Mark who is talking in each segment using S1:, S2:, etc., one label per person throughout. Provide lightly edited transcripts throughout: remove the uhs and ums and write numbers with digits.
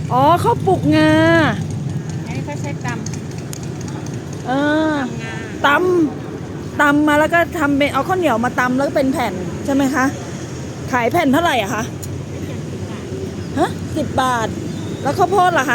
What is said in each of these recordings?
S1: อ๋อข้าวปลูกงา
S2: อันนี้เขาใช้
S1: เออ
S2: งา
S1: ตำมาแล้วก็ทำเป็นเอาข้าวเหนียวมาตำแล้วก็เป็นแผ่นใช่ไหมคะขายแผ่นเท่าไหร่อะคะฮะ10 บาทแล้วข้าวโพดล่ะคะ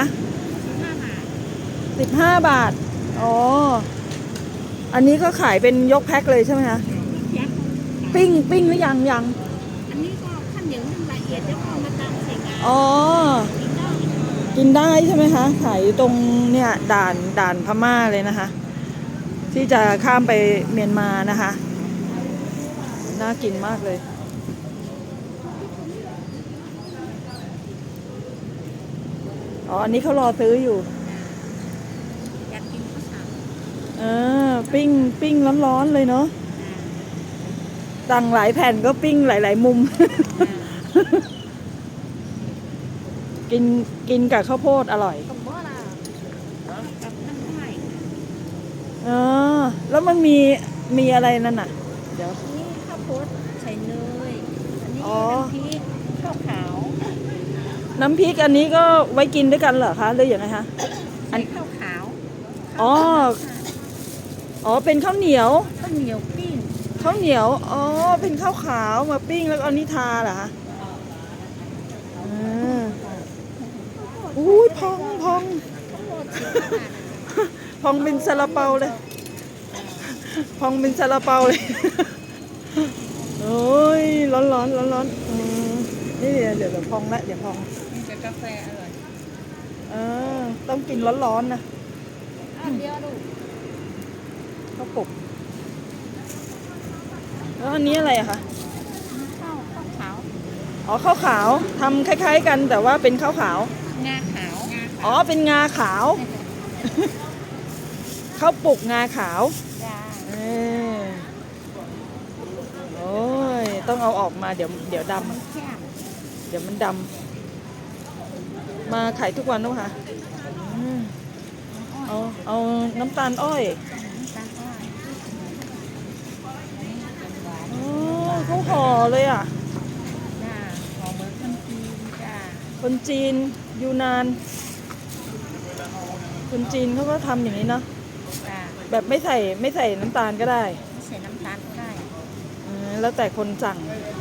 S1: 15 บาทอ๋ออันนี้ก็ขายเป็นยกแพ็คเลยใช่ไหมคะปิ้งหรือยัง
S2: อันนี้ก็ขั้นเหนียวนึ่งละเอียดแล้วก็มาตำใส่งา
S1: อ๋อ
S2: กินได้
S1: กินได้ใช่ไหมคะขายอยู่ตรงเนี่ยด่านพม่าเลยนะคะที่จะข้ามไปเมียนมานะคะน่ากินมากเลยอ๋ออันนี้เขารอซื้ออยู่
S2: อยากกินข้าวสาร
S1: ปิ้งร้อนๆเลยเนาะสั่งหลายแผ่นก็ปิ้งหลายๆมุมกินกับข้าวโพดอร่อย
S2: กับบ่ล่ะกับน้ำไม้
S1: อ๋อแล้วมันมีอะไรนั่นน่ะเดี๋ยว
S2: นี่ข้าวโพดใส่เนยอันนี้
S1: อ๋อ
S2: น้ำพริกข้าวขาว
S1: น้ำพริกอันนี้ก็ไว้กินด้วยกันเหรอคะหรือยังไงคะ
S2: ใส่ข้าวขาว
S1: อ๋อเป็นข้าวเหนียว
S2: ข้าวเหนียวปิ้ง
S1: ข้าวเหนียวอ๋อเป็นข้าวขาวมาปิ้งแล้วเอานิทาเหรอคะอุ้ยพอง
S2: ข้าวโพด10 บาท
S1: พองเป็นซาลาเปาเลยพองเป็นซาลาเปาเลยโอ้ยร้อนนี่เดี๋ยวพองละเดี๋ยวพอง
S2: กินกับกาแฟอร่อย
S1: ต้องกินร้อนนะ
S2: เดียวดู
S1: ข้าวปลุกแล้วอันนี้อะไรอะคะ
S2: ข้าวขาว
S1: อ๋อข้าวขาวทำคล้ายๆกันแต่ว่าเป็นข้าวขาว
S2: งาขาว
S1: อ๋อเป็นงาขาวข้าวปลุกงาขาว
S2: จ้า
S1: โอ้ยต้องเอาออกมาเดี๋ยวดำเดี๋ยวมันดำมาขายทุกวันนะคะเอาน้ำตาลอ้อยเขาห่อเลยอ่ะ
S2: จ้าห่อเหมือนคนจีนจ้า
S1: คนจีนยูนานคนจีนเขาก็ทำอย่างนี้เนาะแบบไม่ใส่น้ำตาลก็ได้
S2: ใส่น้ำตาลก็ได้
S1: แล้วแต่คนสั่ง